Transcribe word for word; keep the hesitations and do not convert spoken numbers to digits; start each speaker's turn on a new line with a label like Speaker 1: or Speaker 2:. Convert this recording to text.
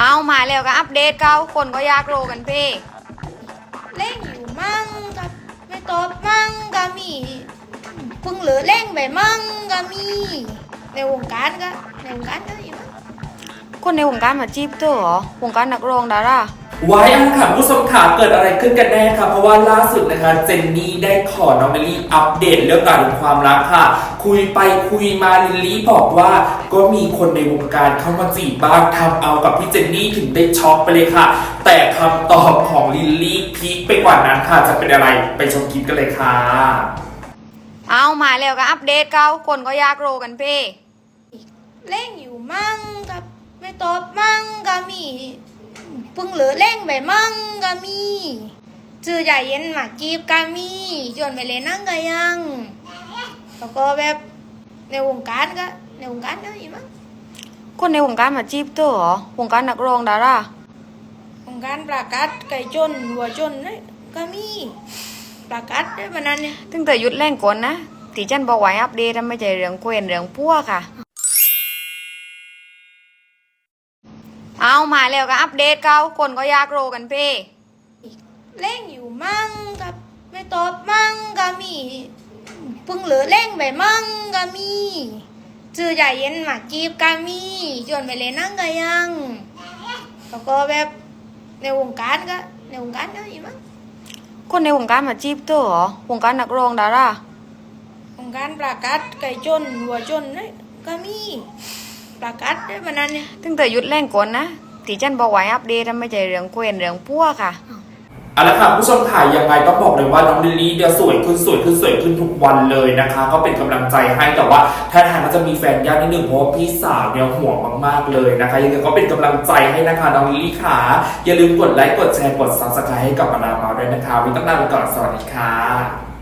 Speaker 1: เอามาแล้วก็อัปเดตเขาคนก็อยากรู้กันพี่
Speaker 2: เล่งอยู่มั่งกับไม่ตอบมั่งก็มีเพิ่งเหลือเล่งไปมั่งก็มีในวงการก็ในวงการก็อยู่มั้ง
Speaker 1: คนในวงการมาจีบเธอเหรอวงการนักร้องดารา
Speaker 3: ไว้อันค่ะผู้ชมขาเกิดอะไรขึ้นกันแน่ค่ะเพราะว่าล่าสุดนะคะเจนนี่ได้ขอน้องลิลลี่อัปเดตเรื่องราวของความรักค่ะคุยไปคุยมาลิลลี่บอกว่าก็มีคนในวงการเข้ามาจีบบ้างทำเอากับพี่เจนนี่ถึงได้ช็อกไปเลยค่ะแต่คำตอบของลิลลี่พีคไปกว่านั้นค่ะจะเป็นอะไรไปชมคลิปกันเลยค่ะ
Speaker 1: เอามาแล้วก็อัปเดตเขาคนก็อยากรู้กันพี่
Speaker 2: เล่งอยู่มั่งกับไม่ตอบมั่งก็มีเพิ่งเหลือเล่งไปมั่งก็มีชื่อใหญ่เย็นมาจีบก็มีจนไปเล่นนั่งก็ยังแล้วก็แบบในวงการก็ในวงการก็อยู่มั้ง
Speaker 1: คนในวงการมาจีบเธอเหรอวงการนักร้องดาราว
Speaker 2: งการประกาศไก่จนหัวจนนี่ก็มีประกาศได้มานานเนี่ย
Speaker 1: ตั้งแต่ยุดแรงก่อนนะที่ฉันบอกไว้อัปเดตไม่ใช่เรื่องเควนเรื่องพัวค่ะเอามาแล้วก็อัปเดตเขาคนก็อยากรู้กันพี่
Speaker 2: เล่งอยู่มั่งกับไม่ตอบมั่งก็มีเพิ่งเหลือเล่งไปมั่งก็มีชื่อใหญ่เย็นมาจีบก็มีจนไปเล่นนั่งก็ยังแล้วก็แบบในวงการก็ในวงการก็อยู่มั้ง
Speaker 1: คนในวงการมาจีบเธอเหรอวงการนักร้องดาราว
Speaker 2: งการประกาศไก่จนหัวจนนี่ก็มีประกาศได้มานานเนี่ย
Speaker 1: ตั้งแต่ยุดแรงก่อนนะที่ฉันบอกไว้อัปเดตไม่ใช่เรื่องเควนเรื่องพัวค่ะ
Speaker 3: เอาละค่ะผู้ชมถ่ายยังไงต้องบอกเลยว่าน้องลิลลี่เดี๋ยวสวยขึ้นสวยขึ้นสวยขึ้นทุกวันเลยนะคะก็เป็นกำลังใจให้แต่ว่าถ้าทางก็จะมีแฟนยากนิดนึงเพราะว่าพี่สาวเนี่ยห่วงมากๆเลยนะคะยังไงก็เป็นกำลังใจให้นะคะน้องลิลลี่ค่ะอย่าลืมกดไลค์กดแชร์กดซับสไครต์ให้กับมาดามเมาส์ด้วยนะคะวันนี้ต้องลาไปก่อนสวัสดีค่ะ